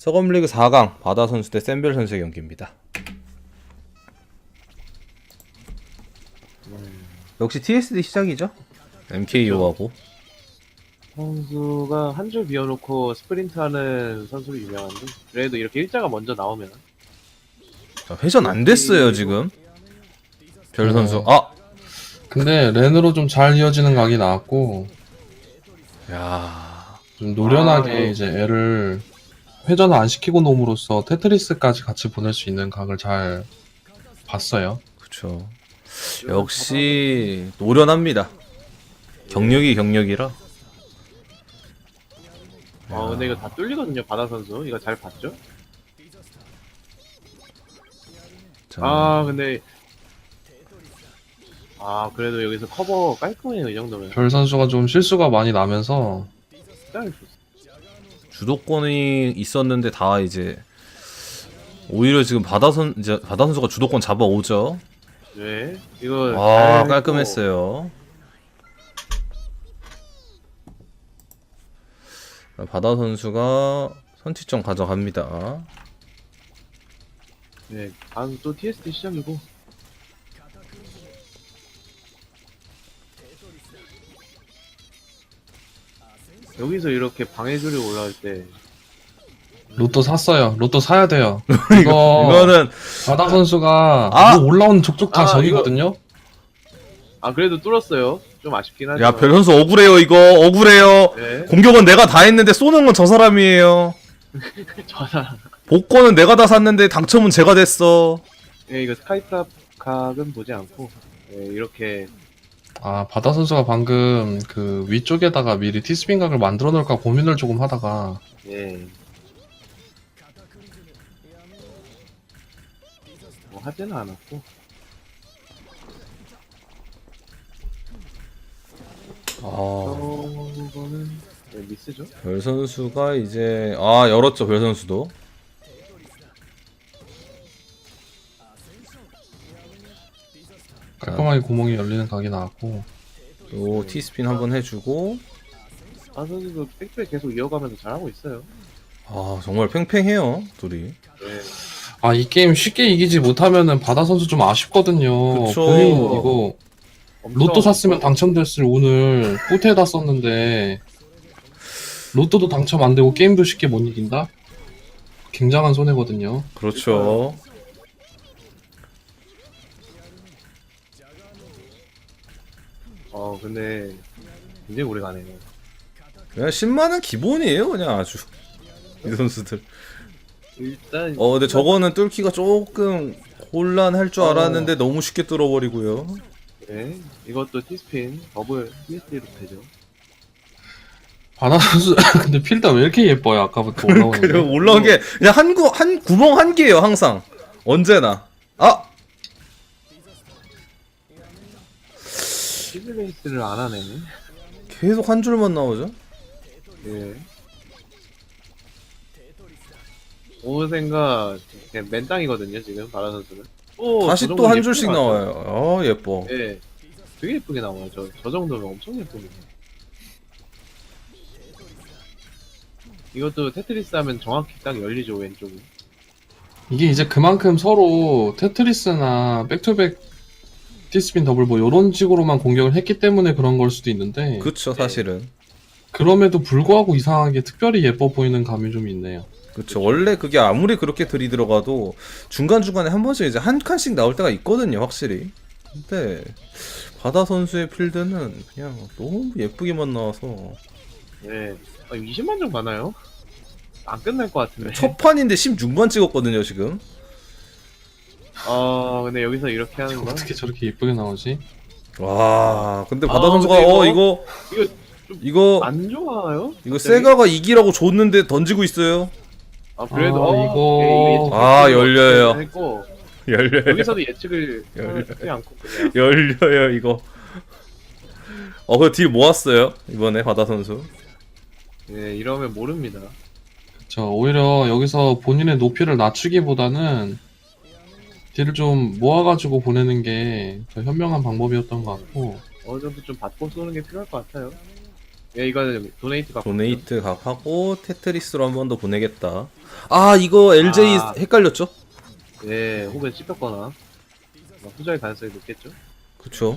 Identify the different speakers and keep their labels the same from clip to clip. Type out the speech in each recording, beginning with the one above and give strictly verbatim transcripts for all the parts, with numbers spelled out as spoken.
Speaker 1: 서검리그 사 강 바다 선수 대 샌벨 선수의 경기입니다. 역시 티에스디 시작이죠. 엠케이오하고
Speaker 2: 선수가 한 줄 비워놓고 스프린트하는 선수로 유명한데 그래도 이렇게 일자가 먼저 나오면
Speaker 1: 자, 회전 안 됐어요 지금. 별 선수.
Speaker 3: 네.
Speaker 1: 아,
Speaker 3: 근데 렌으로 좀 잘 이어지는 각이 나왔고
Speaker 1: 야,
Speaker 3: 좀 노련하게
Speaker 2: 아, 네.
Speaker 3: 이제 애를 회전을 안 시키고 놈으로써 테트리스까지 같이 보낼 수 있는 각을 잘 봤어요.
Speaker 1: 그쵸. 역시 노련합니다. 경력이 경력이라.
Speaker 2: 아 근데 이거 다 뚫리거든요. 바다 선수 이거 잘 봤죠?
Speaker 1: 자,
Speaker 2: 아 근데 아 그래도 여기서 커버 깔끔해요. 이 정도면
Speaker 3: 별 선수가 좀 실수가 많이 나면서
Speaker 2: 진짜 좋습니다.
Speaker 1: 주도권이 있었는데 다 이제 오히려 지금 바다 선 이제 바다 선수가 주도권 잡아오죠.
Speaker 2: 네 이거
Speaker 1: 아,
Speaker 2: 잘
Speaker 1: 깔끔했어요. 바다 선수가 선취점 가져갑니다.
Speaker 2: 네 다음 또 티에스디 시작이고 여기서 이렇게 방해줄이 올라올 때
Speaker 3: 로또 샀어요. 로또 사야 돼요. 이거
Speaker 1: 이거는
Speaker 3: 바다 선수가
Speaker 1: 아!
Speaker 3: 뭐 올라오는 족족 다
Speaker 2: 아,
Speaker 3: 적이거든요.
Speaker 2: 아 그래도 뚫었어요. 좀 아쉽긴 하지만
Speaker 1: 야, 별 선수 억울해요. 이거 억울해요.
Speaker 2: 네
Speaker 1: 공격은 내가 다 했는데 쏘는 건 저 사람이에요.
Speaker 2: 저사
Speaker 1: 복권은 내가 다 샀는데 당첨은 제가 됐어.
Speaker 2: 네, 이거 스카이탑 각은 보지 않고 네, 이렇게
Speaker 3: 아 바다 선수가 방금 그 위쪽에다가 미리 티스핀 각을 만들어 놓을까 고민을 조금 하다가
Speaker 2: 예. 뭐 하지는 않았고
Speaker 1: 아,
Speaker 2: 저거는 네, 미스죠?
Speaker 1: 별 선수가 이제 아 열었죠. 별 선수도.
Speaker 3: 깔끔하게 구멍이 열리는 각이 나왔고
Speaker 1: 또 티스핀 한번 해주고.
Speaker 2: 아 선수도 백백 계속 이어가면서 잘하고 있어요.
Speaker 1: 아, 정말 팽팽해요 둘이.
Speaker 2: 네.
Speaker 3: 아 이 게임 쉽게 이기지 못하면은 바다 선수 좀 아쉽거든요.
Speaker 1: 그쵸.
Speaker 3: 본인 이거
Speaker 2: 엄청
Speaker 3: 로또 샀으면 당첨됐을 오늘 호텔에다 썼는데 로또도 당첨 안 되고 게임도 쉽게 못 이긴다? 굉장한 손해거든요.
Speaker 1: 그렇죠.
Speaker 2: 어 근데 굉장히 오래 가네요.
Speaker 1: 그냥 십만은 기본이에요. 그냥 아주 이 선수들.
Speaker 2: 일단
Speaker 1: 어, 근데 저거는 뚫기가 조금 곤란할 줄
Speaker 2: 어.
Speaker 1: 알았는데 너무 쉽게 뚫어버리고요.
Speaker 2: 네 이것도 티스핀 더블 티에스디로 되죠.
Speaker 3: 바다 선수 근데 필드 왜 이렇게 예뻐요? 아까부터 올라오는 게.
Speaker 1: 그리고 올라온 게 그냥 한, 구, 한 구멍 한 개예요. 항상 언제나. 아,
Speaker 2: 시뮬레이스를 안 하네.
Speaker 1: 계속 한 줄만 나오죠.
Speaker 2: 예. 오생가 그냥 맨땅이거든요 지금 바라 선수는. 오,
Speaker 1: 다시
Speaker 2: 저
Speaker 1: 또 한
Speaker 2: 정도면
Speaker 1: 줄씩
Speaker 2: 예쁜 것 같아요.
Speaker 1: 나와요. 어, 예뻐.
Speaker 2: 예. 되게 예쁘게 나와요. 저, 저 정도면 엄청 예쁩니다. 이것도 테트리스 하면 정확히 딱 열리죠, 왼쪽이.
Speaker 3: 이게 이제 그만큼 서로 테트리스나 백투백 티스핀 더블 뭐 이런 식으로만 공격을 했기 때문에 그런 걸 수도 있는데
Speaker 1: 그쵸, 사실은.
Speaker 3: 그럼에도 불구하고 이상하게 특별히 예뻐 보이는 감이 좀 있네요.
Speaker 1: 그쵸. 원래 그게 아무리 그렇게 들이 들어가도 중간중간에 한 번씩 이제 한 칸씩 나올 때가 있거든요, 확실히. 근데 바다 선수의 필드는 그냥 너무 예쁘게만 나와서
Speaker 2: 예. 아, 이십만 점 가나요? 안 끝날 것 같은데.
Speaker 1: 첫 판인데 십육 만 찍었거든요, 지금.
Speaker 2: 어, 근데 여기서 이렇게 하는 건.
Speaker 3: 어떻게 저렇게 예쁘게 나오지?
Speaker 1: 와, 근데 바다
Speaker 2: 아,
Speaker 1: 선수가
Speaker 2: 근데
Speaker 1: 어
Speaker 2: 이거-
Speaker 1: 이거
Speaker 2: 이거
Speaker 1: 이거
Speaker 2: 안 좋아요?
Speaker 1: 이거
Speaker 2: 갑자기?
Speaker 1: 세가가 이기라고 줬는데 던지고 있어요.
Speaker 2: 아, 그래도,
Speaker 3: 아,
Speaker 2: 어,
Speaker 3: 이거-
Speaker 2: 예측-
Speaker 1: 아,
Speaker 2: 예측을
Speaker 1: 열려요.
Speaker 2: 어떻게 했고,
Speaker 1: 열려요.
Speaker 2: 여기서도 예측을
Speaker 1: 열려요.
Speaker 2: 하지 않고 그냥.
Speaker 1: 열려요, 이거. 어, 그 딜 모았어요, 이번에 바다 선수.
Speaker 2: 예, 이러면 모릅니다.
Speaker 3: 저 오히려 여기서 본인의 높이를 낮추기보다는 딜을 좀 모아가지고 보내는 게 더 현명한 방법이었던 것 같고
Speaker 2: 어느 정도 좀 받고 쏘는 게 필요할 것 같아요. 예, 이거는 도네이트 값.
Speaker 1: 도네이트 각하고 테트리스로 한 번 더 보내겠다. 아 이거 엘제이
Speaker 2: 아.
Speaker 1: 헷갈렸죠?
Speaker 2: 예, 혹은 씹혔거나 후자의 가능성이 높겠죠.
Speaker 1: 그쵸.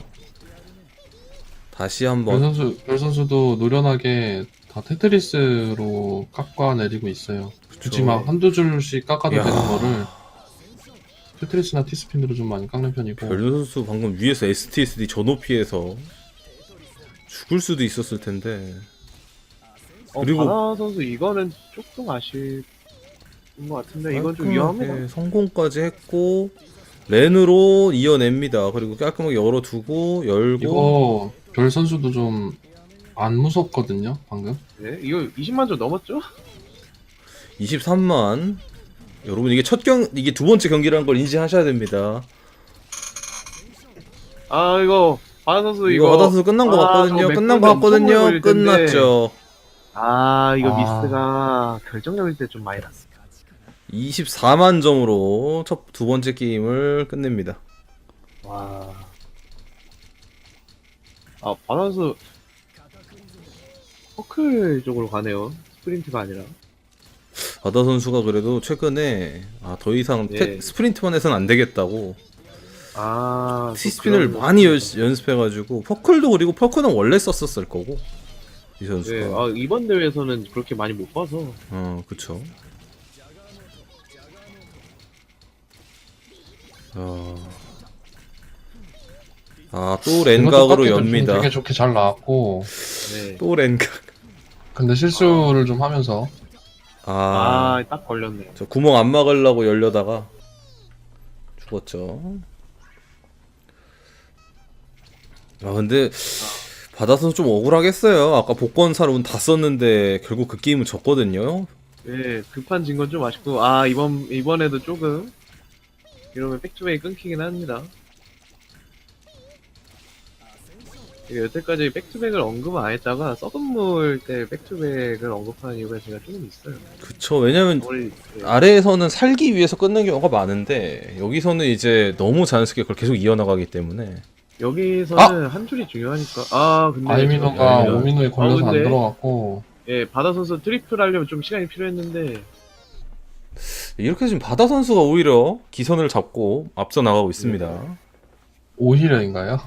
Speaker 1: 다시
Speaker 3: 별
Speaker 1: 한번
Speaker 3: 선수 별 선수도 노련하게 다 테트리스로 깎아내리고 있어요. 굳이 막 한두 줄씩 깎아도
Speaker 1: 야.
Speaker 3: 되는 거를 테트리스나 티스핀으로 좀 많이 깎는 편이고.
Speaker 1: 별 선수 방금 위에서 에스티에스디 저 높이에서 죽을 수도 있었을 텐데.
Speaker 2: 어,
Speaker 1: 그리고-
Speaker 2: 바나 선수 이거는 조금 아쉬운 것 같은데 이건 좀 위험합니다.
Speaker 1: 깔끔하게 성공까지 했고 렌으로 이어냅니다. 그리고 깔끔하게 열어두고 열고
Speaker 3: 이거 별 선수도 좀 안 무섭거든요, 방금.
Speaker 2: 네, 이거 이십만 점 넘었죠?
Speaker 1: 이십삼만. 여러분 이게 첫 경 이게 두 번째 경기라는 걸 인지하셔야 됩니다.
Speaker 2: 아 이거 바나 선수
Speaker 1: 이거
Speaker 2: 이거
Speaker 1: 받아서 끝난 거
Speaker 2: 아,
Speaker 1: 같거든요.
Speaker 2: 저거
Speaker 1: 끝난 거
Speaker 2: 맥북이 엄청
Speaker 1: 같거든요.
Speaker 2: 걸릴 텐데.
Speaker 1: 끝났죠.
Speaker 2: 아 이거
Speaker 3: 아.
Speaker 2: 미스가 결정적일 때 좀 많이 났어.
Speaker 1: 이십사만 점으로 첫 두 번째 게임을 끝냅니다.
Speaker 2: 와. 아 바나 선수 퍼클 쪽으로 가네요. 스프린트가 아니라.
Speaker 1: 바다 선수가 그래도 최근에 아, 더 이상
Speaker 2: 예.
Speaker 1: 테- 스프린트만 해서는 안 되겠다고
Speaker 2: 아
Speaker 1: 티스핀을
Speaker 2: 또
Speaker 1: 많이 연,
Speaker 2: 그런
Speaker 1: 연습해가지고 퍼클도 그리고 퍼클은 원래 썼었을 거고 이 선수가.
Speaker 2: 네, 아 이번 대회에서는 그렇게 많이 못 봐서.
Speaker 1: 어 그쵸. 어... 아또
Speaker 3: 이것도
Speaker 1: 렌각으로
Speaker 3: 깎기도 좀
Speaker 1: 엽니다.
Speaker 3: 되게 좋게 잘 나왔고.
Speaker 2: 네.
Speaker 1: 또 렌각.
Speaker 3: 근데 실수를 좀 하면서
Speaker 1: 아,
Speaker 2: 아 딱 걸렸네요.
Speaker 1: 저 구멍 안 막으려고 열려다가 죽었죠. 아 근데 받아서 좀 억울하겠어요. 아까 복권사로 운 다 썼는데 결국 그 게임은 졌거든요.
Speaker 2: 네, 급한 진 건 좀 아쉽고, 아, 이번, 이번에도 조금, 이러면 백투백이 끊기긴 합니다. 이게 여태까지 백투백을 언급 안 했다가, 썩은물 때 백투백을 언급하는 이유가 제가 조금 있어요.
Speaker 1: 그쵸. 왜냐면
Speaker 2: 우리, 네.
Speaker 1: 아래에서는 살기 위해서 끊는 경우가 많은데 여기서는 이제 너무 자연스럽게 그걸 계속 이어나가기 때문에
Speaker 2: 여기서는 한 줄이 중요하니까, 아, 근데.
Speaker 3: 아이미노가
Speaker 1: 아이미노.
Speaker 3: 오미노에 걸려서
Speaker 2: 아, 근데-
Speaker 3: 안 들어갔고.
Speaker 2: 예, 바다 선수 트리플 하려면 좀 시간이 필요했는데,
Speaker 1: 이렇게 지금 바다 선수가 오히려 기선을 잡고 앞서 나가고 있습니다.
Speaker 3: 오히려인가요?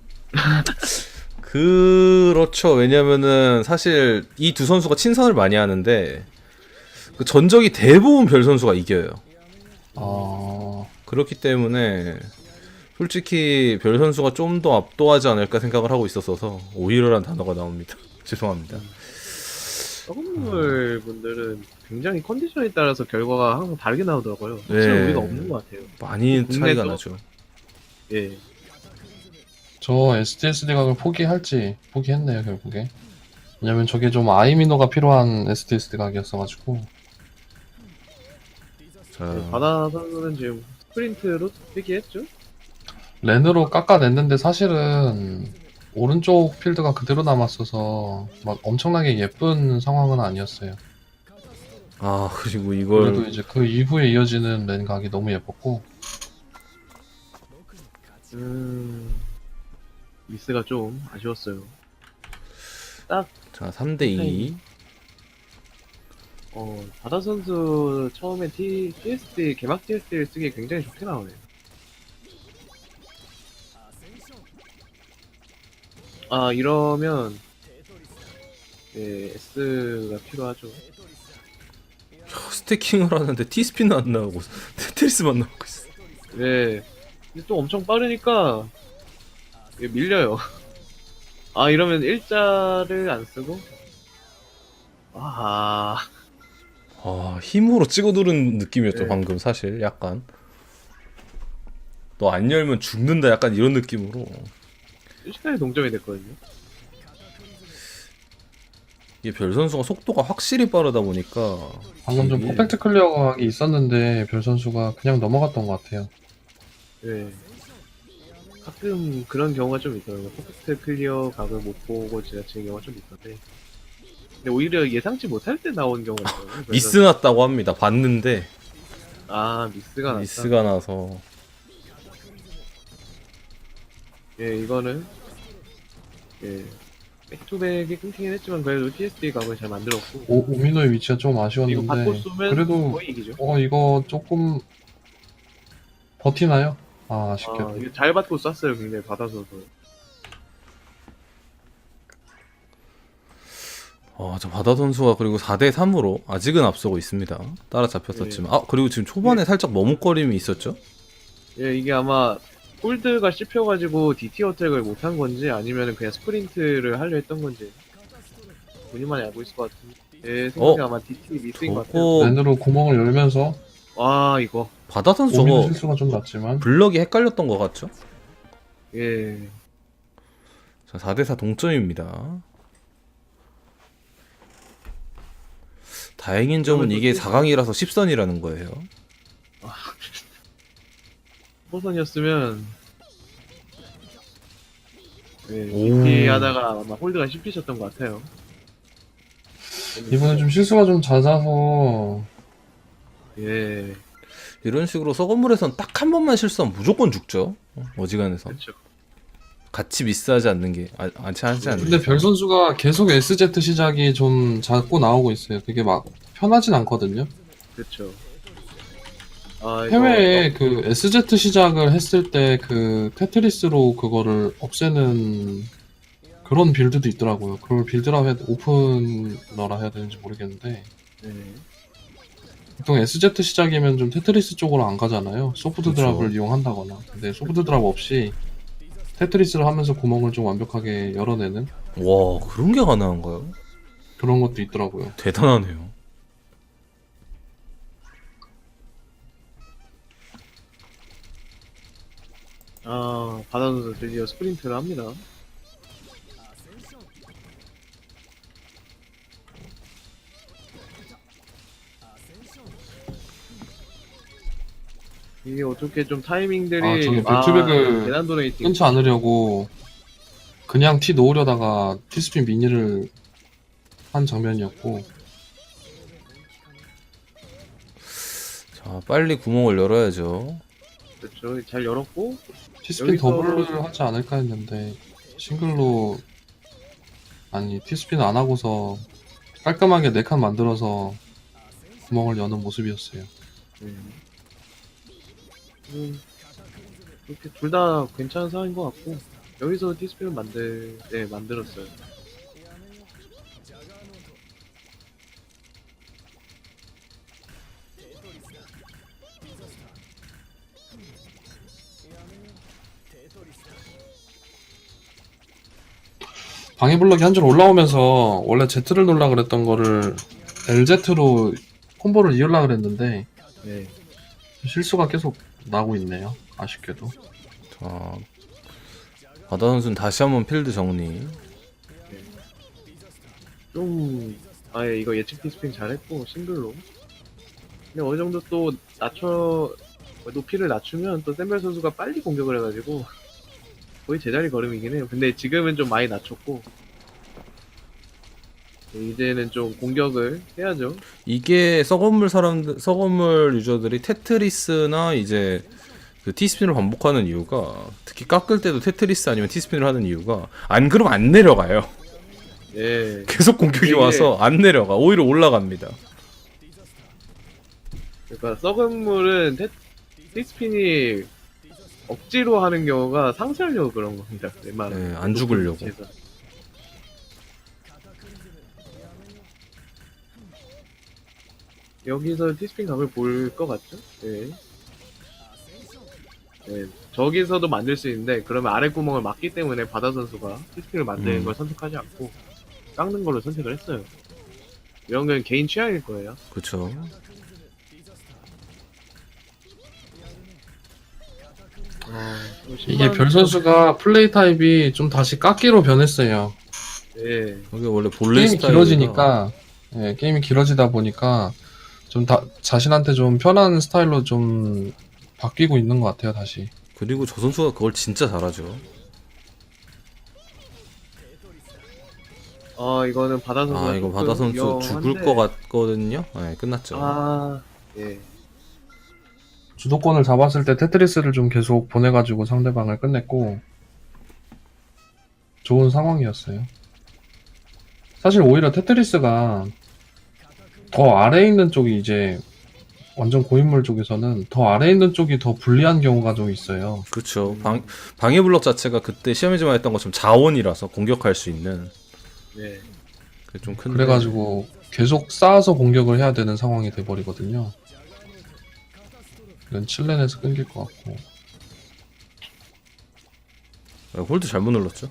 Speaker 1: 그렇죠. 왜냐면은 사실 이 두 선수가 친선을 많이 하는데 그 전적이 대부분 별 선수가 이겨요.
Speaker 3: 어...
Speaker 1: 그렇기 때문에 솔직히 별 선수가 좀 더 압도하지 않을까 생각을 하고 있었어서 오히려란 단어가 나옵니다. 죄송합니다.
Speaker 2: 썩은물 분들은 굉장히 컨디션에 따라서 결과가 항상 다르게 나오더라고요.
Speaker 1: 네.
Speaker 2: 확실히 우리가 없는 것 같아요.
Speaker 1: 많이 차이가
Speaker 2: 국내도-
Speaker 1: 나죠.
Speaker 2: 예.
Speaker 3: 저 에스티에스디 각을 포기할지 포기했네요, 결국에. 왜냐면 저게 좀 아이미노가 필요한 에스티에스디 각이었어가지고.
Speaker 1: 자,
Speaker 2: 네, 바다 선수는 지금 스프린트로 회귀했죠?
Speaker 3: 렌으로 깎아냈는데 사실은 오른쪽 필드가 그대로 남았어서 막 엄청나게 예쁜 상황은 아니었어요.
Speaker 1: 아 그리고
Speaker 3: 그래도
Speaker 1: 이걸
Speaker 3: 이제 그 이후에 이어지는 렌 각이 너무 예뻤고.
Speaker 2: 음, 미스가 좀 아쉬웠어요.
Speaker 1: 자 삼 대 이.
Speaker 2: 어, 바다 선수 처음에 T, 티에스디, 개막 티에스디를 쓰기에 굉장히 좋게 나오네요. 아, 이러면, 예, S가 필요하죠.
Speaker 1: 스태킹을 하는데 티스핀은 안 나오고 테트리스만 나오고 있어.
Speaker 2: 네. 근데 또 엄청 빠르니까, 예, 밀려요. 아, 이러면 일자를 안 쓰고, 아,
Speaker 1: 아 힘으로 찍어 누른 느낌이었죠
Speaker 2: 네.
Speaker 1: 방금 사실 약간. 너 안 열면 죽는다 약간 이런 느낌으로.
Speaker 2: 순식간에 동점이 됐거든요.
Speaker 1: 이게 별 선수가 속도가 확실히 빠르다 보니까
Speaker 3: 방금 좀
Speaker 1: 이게-
Speaker 3: 퍼펙트 클리어 각이 있었는데 별 선수가 그냥 넘어갔던 것 같아요.
Speaker 2: 네. 가끔 그런 경우가 좀 있더라고요. 퍼펙트 클리어 각을 못 보고 지나치는 경우가 좀 있던데. 근데 오히려 예상치 못할 때 나온 경우가 있거든요. 그래서-
Speaker 1: 미스 났다고 합니다. 봤는데
Speaker 2: 아, 미스가 났다.
Speaker 1: 미스가 나서
Speaker 2: 예, 이거는 예, 백투백이 끊기긴 했지만 그래도 티에스디 각을 잘 만들었고
Speaker 3: 오, 오미노의 위치가 좀
Speaker 2: 이거
Speaker 3: 아쉬웠는데
Speaker 2: 받고 쏘면
Speaker 3: 그래도
Speaker 2: 거의 이기죠.
Speaker 3: 어 이거 조금 버티나요? 아 아쉽게도.
Speaker 2: 아, 이거 잘 받고 쐈어요. 굉장히 받아서도.
Speaker 1: 아, 저 바다 선수가 그리고 사 대 삼으로 아직은 앞서고 있습니다. 따라잡혔었지만. 아, 그리고 지금 초반에 살짝 머뭇거림이 있었죠?
Speaker 2: 예, 이게 아마 홀드가 씹혀가지고 디티 어택을 못한 건지 아니면 그냥 스프린트를 하려 했던 건지 본인만이 알고 있을 것 같은데 제 생각에
Speaker 1: 어?
Speaker 2: 아마 디티 미스인 것 같아요.
Speaker 1: 저거
Speaker 3: 랜으로 구멍을 열면서
Speaker 2: 와 이거
Speaker 1: 바다 선수
Speaker 3: 오미노
Speaker 1: 저거
Speaker 3: 실수가 좀 났지만
Speaker 1: 블럭이 헷갈렸던 것 같죠?
Speaker 2: 예
Speaker 1: 자, 사 대 사 동점입니다. 다행인 점은 이게 사 강이라서 십 선이라는 거예요.
Speaker 2: 포선이었으면 예,
Speaker 1: 오.
Speaker 2: 디티 하다가 아마 홀드가 씹히셨던 것 같아요.
Speaker 3: 이번에 좀 실수가 좀 잦아서
Speaker 2: 예
Speaker 1: 이런 식으로 썩은 물에선 딱 한 번만 실수하면 무조건 죽죠. 어, 어지간해서.
Speaker 2: 그렇죠.
Speaker 1: 같이 미스하지 않는 게, 아, 않지 하지 않는
Speaker 3: 근데
Speaker 1: 게.
Speaker 3: 별 선수가 계속 에스제트 시작이 좀 자꾸 나오고 있어요. 그게 막 편하진 않거든요.
Speaker 2: 그렇죠. 아, 이거
Speaker 3: 해외에 그 에스제트 시작을 했을 때 그 테트리스로 그거를 없애는 그런 빌드도 있더라고요. 그걸 빌드라 해야 돼, 오픈러라 해야 되는지 모르겠는데
Speaker 2: 예.
Speaker 3: 보통 에스제트 시작이면 좀 테트리스 쪽으로 안 가잖아요. 소프트
Speaker 1: 그쵸.
Speaker 3: 드랍을 이용한다거나. 근데 소프트 드랍 없이 테트리스를 하면서 구멍을 좀 완벽하게 열어내는
Speaker 1: 와, 그런 게 가능한가요?
Speaker 3: 그런 것도 있더라고요.
Speaker 1: 대단하네요.
Speaker 2: 아 바다 선수 드디어 스프린트를 합니다. 이게 어떻게 좀 타이밍들이
Speaker 3: 아, 저기 백투백을
Speaker 2: 계단 도네이팅
Speaker 3: 끊지 않으려고 그냥 티 놓으려다가 티스핀 미니를 한 장면이었고
Speaker 1: 자, 빨리 구멍을 열어야죠.
Speaker 2: 그렇죠. 잘 열었고
Speaker 3: 티스핀
Speaker 2: 여기서-
Speaker 3: 더블을 하지 않을까 했는데 싱글로 아니 티스핀 안 하고서 깔끔하게 네 칸 만들어서 구멍을 여는 모습이었어요.
Speaker 2: 음. 음, 이렇게 둘 다 괜찮은 상황인 것 같고 여기서 티스핀을 만들 네 만들었어요.
Speaker 3: 방해 블럭이 한 줄 올라오면서 원래 Z를 놀라 그랬던 거를 엘제트로 콤보를 이으려 그랬는데
Speaker 2: 네.
Speaker 3: 실수가 계속 나고 있네요. 아쉽게도.
Speaker 1: 자, 바다 선수는 다시 한번 필드 정리.
Speaker 2: 좀 아예 이거 예측 티스핀 잘했고 싱글로. 근데 어느 정도 또 낮춰 높이를 낮추면 또 샘벨 선수가 빨리 공격을 해가지고 거의 제자리 걸음이긴 해요. 근데 지금은 좀 많이 낮췄고 네, 이제는 좀 공격을 해야죠.
Speaker 1: 이게 썩은 물 사람들, 썩은 물 유저들이 테트리스나 이제 그 티스핀을 반복하는 이유가, 특히 깎을 때도 테트리스 아니면 티스핀을 하는 이유가, 안 그러면 안 내려가요.
Speaker 2: 예.
Speaker 1: 계속 공격이
Speaker 2: 이게-
Speaker 1: 와서 안 내려가. 오히려 올라갑니다.
Speaker 2: 그러니까 썩은 물은 테, 티스핀이 억지로 하는 경우가 상쇄하려고 그런 겁니다. 웬만하면.
Speaker 1: 네, 안 죽으려고.
Speaker 2: 높은 위치에서. 여기서 티스핀 각을 볼 것 같죠? 네. 네. 저기서도 만들 수 있는데 그러면 아래 구멍을 막기 때문에 바다 선수가 티스핀을 만드는
Speaker 1: 음.
Speaker 2: 걸 선택하지 않고 깎는 걸로 선택을 했어요. 이런 건 개인 취향일 거예요.
Speaker 1: 그쵸.
Speaker 2: 아, 또
Speaker 3: 이게
Speaker 2: 신발-
Speaker 3: 별 선수가 플레이 타입이 좀 다시 깎기로 변했어요.
Speaker 2: 네.
Speaker 1: 이게 원래 본래
Speaker 3: 게임이
Speaker 1: 스타일이라
Speaker 3: 길어지니까 예, 게임이 길어지다 보니까 좀 다, 자신한테 좀 편한 스타일로 좀 바뀌고 있는 것 같아요. 다시.
Speaker 1: 그리고 저 선수가 그걸 진짜 잘하죠.
Speaker 2: 아 이거는 바다 선수.
Speaker 1: 아, 이거 바다 선수 죽을 것 같거든요. 네, 끝났죠.
Speaker 2: 아 예.
Speaker 3: 주도권을 잡았을 때 테트리스를 좀 계속 보내가지고 상대방을 끝냈고 좋은 상황이었어요. 사실 오히려 테트리스가 더 아래에 있는 쪽이 이제 완전 고인물 쪽에서는 더 아래에 있는 쪽이 더 불리한 경우가 좀 있어요.
Speaker 1: 그렇죠. 방 방해 블럭 자체가 그때 시험에서만 했던 것처럼 자원이라서 공격할 수 있는
Speaker 2: 네.
Speaker 1: 그게 좀 큰데.
Speaker 3: 그래가지고 계속 쌓아서 공격을 해야 되는 상황이 돼버리거든요. 이건 칠렌에서 끊길 것 같고.
Speaker 1: 아, 홀드 잘못 눌렀죠.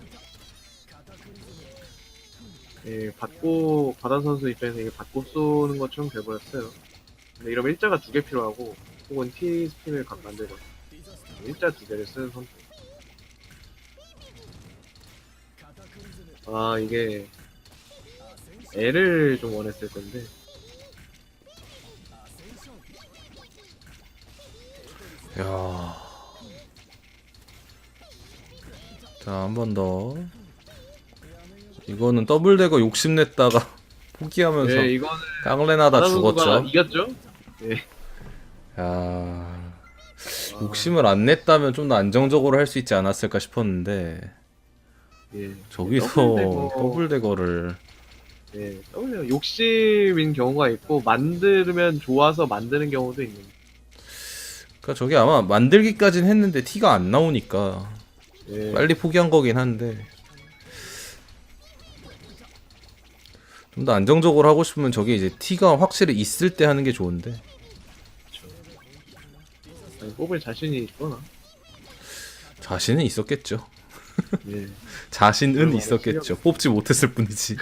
Speaker 2: 예, 받고 바다 선수 입장에서 이게 받고 쏘는 것처럼 돼버렸어요. 근데 이러면 일자가 두 개 필요하고 혹은 T 스핀을 각 만들거나 일자 두 개를 쓰는 선수. 아 이게 L을 좀 원했을 건데
Speaker 1: 야. 자, 한 번 더. 이거는 더블 대거 욕심냈다가 포기하면서
Speaker 2: 네 이거는
Speaker 1: 깡레나다
Speaker 2: 바다 선수가
Speaker 1: 죽었죠.
Speaker 2: 이겼죠?
Speaker 1: 야.
Speaker 2: 아,
Speaker 1: 욕심을 안 냈다면 좀 더 안정적으로 할 수 있지 않았을까 싶었는데
Speaker 2: 예.
Speaker 1: 저기서
Speaker 2: 더블 대거-
Speaker 1: 더블 대거를
Speaker 2: 예, 더블 욕심인 경우가 있고 만들면 좋아서 만드는 경우도 있는.
Speaker 1: 그러니까 저게 아마 만들기까진 했는데 티가 안 나오니까
Speaker 2: 예.
Speaker 1: 빨리 포기한 거긴 한데 좀 더 안정적으로 하고 싶으면 저게 이제 티가 확실히 있을 때 하는 게 좋은데
Speaker 2: 아니, 뽑을 자신이 있거나.
Speaker 1: 자신은 있었겠죠.
Speaker 2: 예.
Speaker 1: 자신은
Speaker 2: 그럼
Speaker 1: 있었겠죠. 뽑지 못했을 뿐이지.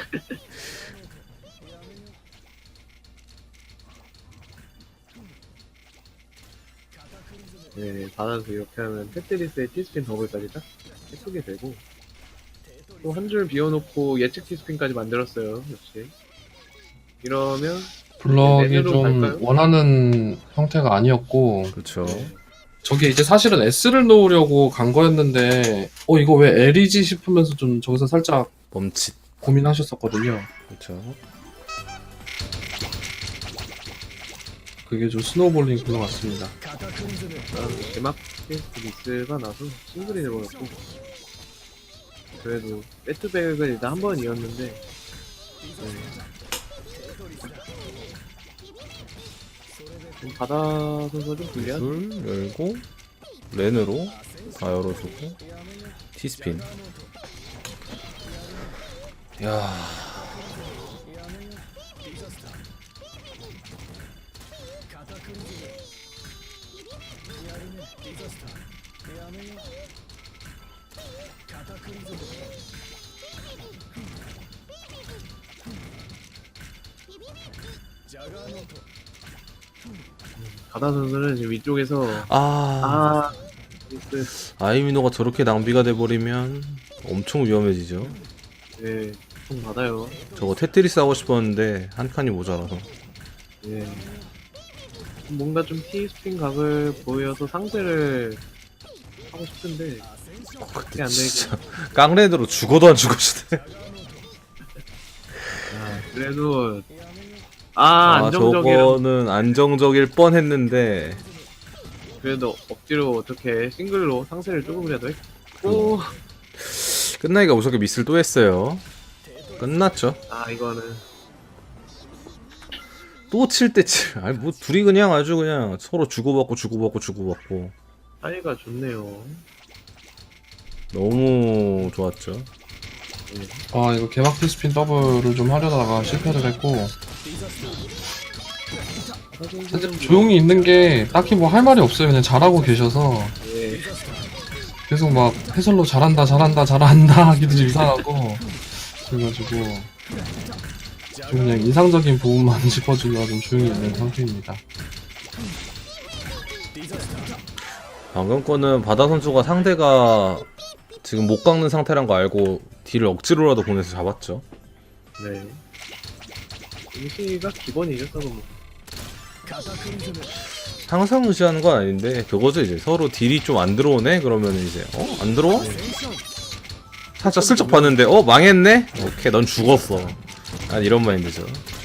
Speaker 2: 네, 받아서 이렇게 하면 테트리스의 T스핀 더블까지 딱 예쁘게 되고 또 한 줄 비워놓고 예측 T스핀까지 만들었어요. 역시 이러면
Speaker 3: 블럭이
Speaker 2: 레벨로
Speaker 3: 좀
Speaker 2: 갈까요?
Speaker 3: 원하는 형태가 아니었고,
Speaker 1: 그렇죠.
Speaker 3: 저게 이제 사실은 S를 놓으려고 간 거였는데, 어, 이거 왜 L이지 싶으면서 좀 저기서 살짝
Speaker 1: 멈칫.
Speaker 3: 고민하셨었거든요.
Speaker 1: 그렇죠.
Speaker 3: 그게 좀 스노우볼링 글로 같습니다.
Speaker 2: 아, 제막 테스트 미스가 나서 싱글이 돼버렸고 그래도 배트백은 일단 한 번 이었는데 네. 좀 바다 선수가 좀 불리한.
Speaker 1: 줄 열고 렌으로 다 열어주고 티스핀. 야.
Speaker 2: 바다 선수는 지금 위쪽에서
Speaker 1: 아.
Speaker 2: 아 그,
Speaker 1: 아이미노가 저렇게 낭비가 돼버리면 엄청 위험해지죠.
Speaker 2: 네, 좀 받아요.
Speaker 1: 저거 테트리스 하고 싶었는데 한 칸이 모자라서.
Speaker 2: 예. 뭔가 좀 T스핀 각을 보여서 상대를 하고 싶은데
Speaker 1: 어,
Speaker 2: 그게
Speaker 1: 그때
Speaker 2: 안
Speaker 1: 진짜 깡레드로 죽어도 안 죽으시네.
Speaker 2: 아, 그래도 아,
Speaker 1: 아,
Speaker 2: 안정적이라
Speaker 1: 저거는 안정적일 뻔했는데
Speaker 2: 그래도 억지로 어떻게 싱글로 상세를 조금이라도 했고
Speaker 1: 끝나기가 무섭게 미스를 또 했어요. 끝났죠.
Speaker 2: 아 이거는
Speaker 1: 또 칠 때 칠. 아니 뭐 둘이 그냥 아주 그냥 서로 주고받고 주고받고 주고받고
Speaker 2: 사이가 좋네요.
Speaker 1: 너무 좋았죠.
Speaker 3: 아, 이거 개막 T스핀 더블을 좀 하려다가 실패를 했고, 사실 조용히 있는 게 딱히 뭐 할 말이 없어요. 그냥 잘하고 계셔서
Speaker 2: 예.
Speaker 3: 계속 막 해설로 잘한다 잘한다 잘한다 하기도 좀 이상하고, 그래가지고 좀 그냥 인상적인 부분만 짚어주려 좀 조용히 있는 상태입니다.
Speaker 1: 방금 거는 바다 선수가 상대가 지금 못 깎는 상태란 거 알고 딜을 억지로라도 보내서 잡았죠.
Speaker 2: 네. 임시가 기본이죠, 서로 뭐.
Speaker 1: 항상 의시하는 건 아닌데 그거죠. 이제 서로 딜이 좀 안 들어오네 그러면 이제 어? 안 들어와? 살짝 슬쩍 봤는데 어? 망했네? 오케이 넌 죽었어. 난 이런 마인드죠.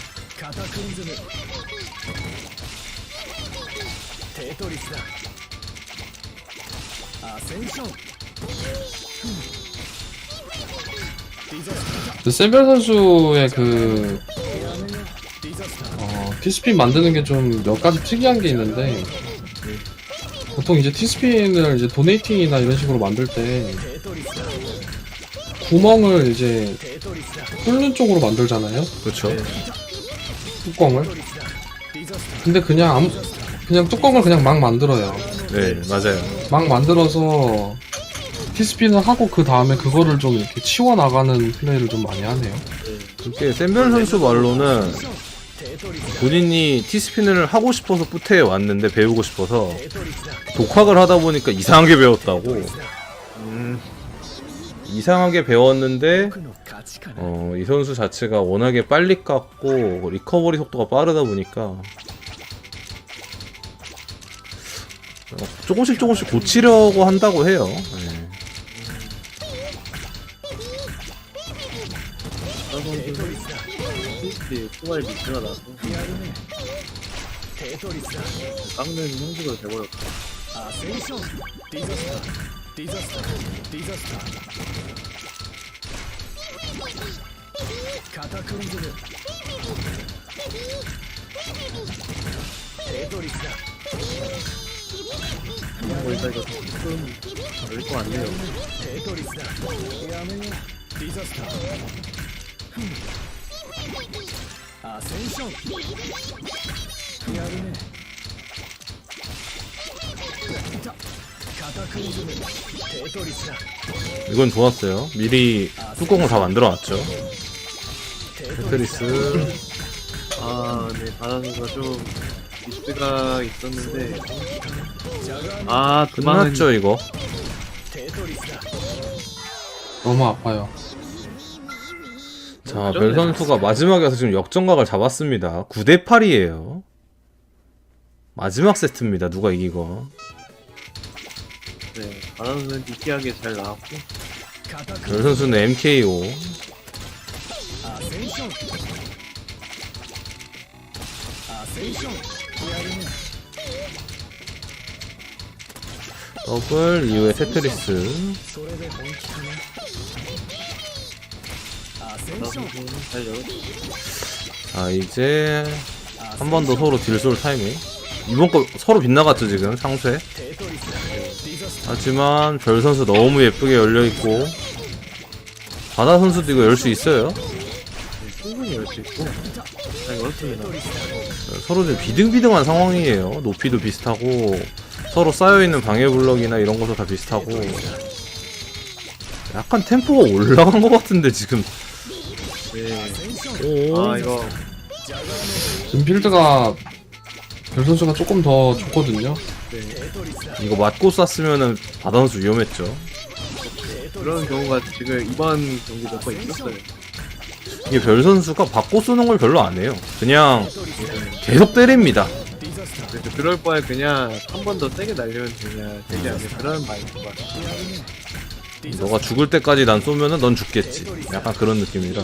Speaker 4: テトリスだ。アセンション。ディザスター
Speaker 3: 근데 세벨 선수의 그 어, 티스핀 만드는 게 좀 몇 가지 특이한 게 있는데 보통 이제 티스핀을 이제 도네이팅이나 이런 식으로 만들 때 구멍을 이제 뚫는 쪽으로 만들잖아요.
Speaker 1: 그렇죠.
Speaker 2: 네.
Speaker 3: 뚜껑을. 근데 그냥 아무 그냥 뚜껑을 그냥 막 만들어요.
Speaker 1: 네, 맞아요.
Speaker 3: 막 만들어서 티스핀을 하고 그 다음에 그거를 좀 이렇게 치워 나가는 플레이를 좀 많이 하네요.
Speaker 1: 그게 샘별 선수 말로는 본인이 티스핀을 하고 싶어서 뿌테에 왔는데 배우고 싶어서 독학을 하다 보니까 이상하게 배웠다고.
Speaker 2: 음,
Speaker 1: 이상하게 배웠는데 어, 이 선수 자체가 워낙에 빨리 깎고 리커버리 속도가 빠르다 보니까 어, 조금씩 조금씩 고치려고 한다고 해요. 네.
Speaker 2: 티스피 투마리 미치가 나서 깎는 형식으로 돼버렸다. 뭐 일단 이거 조금 열릴 것 같네요.
Speaker 1: 이건 좋았어요. 미리 뚜껑을 다 만들어놨죠. 테트리스.
Speaker 2: 아, 네, 바다선수가 좀 미스가 있었는데, 아, 그만은
Speaker 1: 끝났죠 이거.
Speaker 3: 너무 아파요.
Speaker 1: 자, 별 선수가 마지막에 와서 지금 역전각을 잡았습니다. 구 대 팔이에요. 마지막 세트입니다. 누가 이기건.
Speaker 2: 네, 바다선수는 느끼하게 잘 나왔고,
Speaker 1: 별 선수는 엠케이오. 더블 이후에 테트리스.
Speaker 2: 바다선수는 잘 열었고,
Speaker 1: 자, 이제 한 번 더 서로 딜솔 타이밍. 이번 거 서로 빗나갔죠 지금 상쇄. 하지만 별 선수 너무 예쁘게 열려 있고 바다 선수도 이거 열 수 있어요.
Speaker 2: 충분히 열 수 있고, 잘 열었습니다.
Speaker 1: 서로 좀 비등비등한 상황이에요. 높이도 비슷하고 서로 쌓여있는 방해 블럭이나 이런 것도 다 비슷하고 약간 템포가 올라간 것 같은데 지금.
Speaker 2: 네,
Speaker 1: 오.
Speaker 2: 아, 이거,
Speaker 3: 지금 필드가 별 선수가 조금 더 좋거든요.
Speaker 2: 네,
Speaker 1: 이거 맞고 쐈으면은 바다 선수 위험했죠.
Speaker 2: 그런 경우가 지금 이번 경기 몇 번 있었어요.
Speaker 1: 이게 별 선수가 받고 쏘는 걸 별로 안 해요. 그냥 계속 때립니다.
Speaker 2: 그래서 그럴 바에 그냥 한 번 더 세게 날리면 그냥 되지 않는 그런 마인드가.
Speaker 1: 너가 죽을 때까지 난 쏘면은 넌 죽겠지. 약간 그런 느낌이라.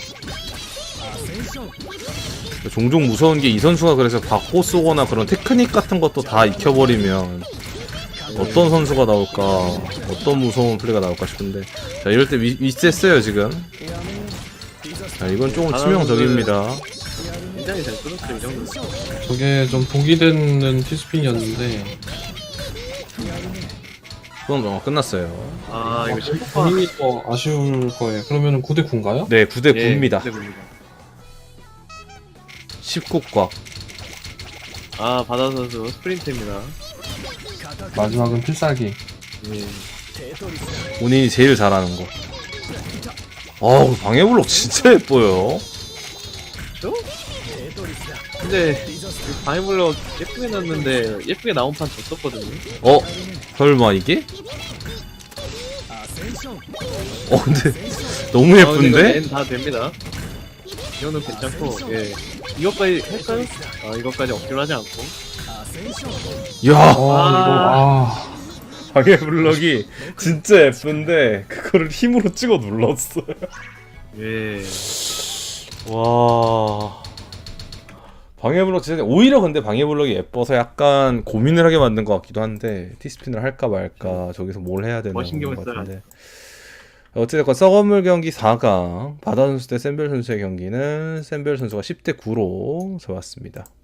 Speaker 1: 종종 무서운 게 이 선수가 그래서 받고 쏘거나 그런 테크닉 같은 것도 다 익혀버리면 어떤 선수가 나올까, 어떤 무서운 플레이가 나올까 싶은데. 자, 이럴 때 위, 위치했어요 지금. 자, 이건 조금 치명적입니다.
Speaker 2: 굉장히 잘 끊었죠, 이 정도.
Speaker 3: 저게 좀 독이 되는 티스핀이었는데
Speaker 1: 그건 어, 끝났어요.
Speaker 2: 아, 이거 십구 파.
Speaker 3: 본인이 더 아쉬울 거예요. 그러면은 구 대 구인가요?
Speaker 1: 네, 구 대 구입니다.
Speaker 2: 네, 구 대 구입니다.
Speaker 1: 십구 꽉.
Speaker 2: 아, 바다 선수 스프린트입니다.
Speaker 3: 마지막은 필살기.
Speaker 2: 예.
Speaker 1: 본인이 제일 잘하는 거. 어우, 방해블록 진짜 예뻐요.
Speaker 2: 그쵸? 근데 바이블럭 예쁘게 났는데 예쁘게 나온 판 졌었거든요.
Speaker 1: 어? 설마 이게? 어, 근데 너무 예쁜데?
Speaker 2: 다 됩니다. 이거는 괜찮고, 예. 이것까지 할까요? 아, 이것까지 억지로 하지 않고.
Speaker 1: 야,
Speaker 3: 어,
Speaker 2: 아.
Speaker 3: 이거 아
Speaker 1: 방해블럭이 진짜 예쁜데 그거를 힘으로 찍어 눌렀어요.
Speaker 2: 예.
Speaker 1: 와. 방해블럭 진짜 오히려 근데 방해블럭이 예뻐서 약간 고민을 하게 만든 것 같기도 한데 티스핀을 할까 말까 저기서 뭘 해야 되나
Speaker 2: 뭐 신경을
Speaker 1: 것
Speaker 2: 써야
Speaker 1: 같은데. 어찌됐건 썩어물 경기 사 강 바다 선수 대 샌벨 선수의 경기는 샌벨 선수가 십 대 구로 잡았습니다.